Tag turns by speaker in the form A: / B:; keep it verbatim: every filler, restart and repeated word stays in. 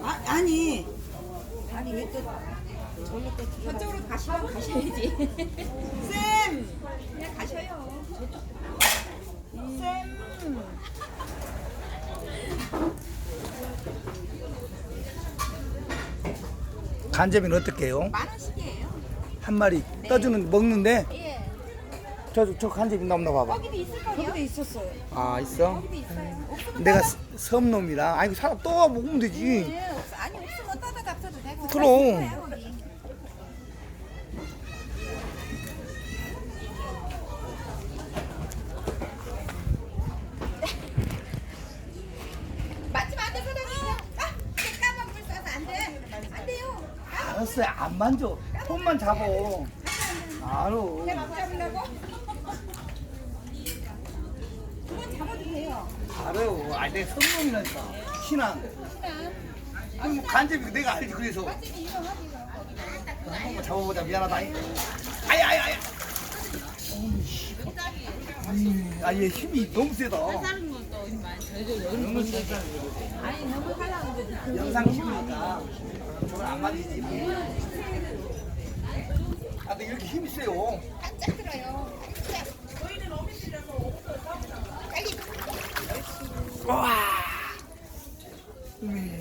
A: 아, 아니
B: 아니 왜 또 저기 또 저쪽으로 가시면 가셔야지.
A: 쌤!
B: 그냥 가셔요.
A: 쌤!
C: 간제비는 어떻게 해요?
B: 만 원씩이에요.
C: 한 마리 떠주는 먹는데
B: 예.
C: 저 저 간제비 나오나 봐봐.
B: 거기도 있을 거예요. 거기도 있었어요.
C: 아 있어?
B: 거기도 있어요. 없으면
C: 내가
B: 따다-
C: 스- 섬놈이라 아이고 사람 또 먹으면 되지.
B: 예, 없- 아니 없으면 따다 잡숴도 되고.
C: 그럼.
B: 있을 거예요, 거기. 맞지마 안 돼, 사장님. 아, 이게 까만 물 써서 안 돼. 안 돼요.
C: 알았어요. 안 만져. 손만 잡어. 알아.
B: 내가 못 잡으려고? 그건 잡아도 돼요.
C: 알아요. 아 내 섬놈이라니까. 신앙. 아니 뭐 간제비 내가 알지 그래서.
B: 맛집이 유명하지.
C: 한 번만 잡아보자. 미안하다. 아야 아야 아야. 아얘 힘이 너무 세다. 너무 세다.
B: 아니 너무 하려고 그러지.
C: 영상 찍으니까 저건 안 맞지. 아 근데 이렇게 힘이 세요.
B: 깜짝 들어요.
C: 와. 음.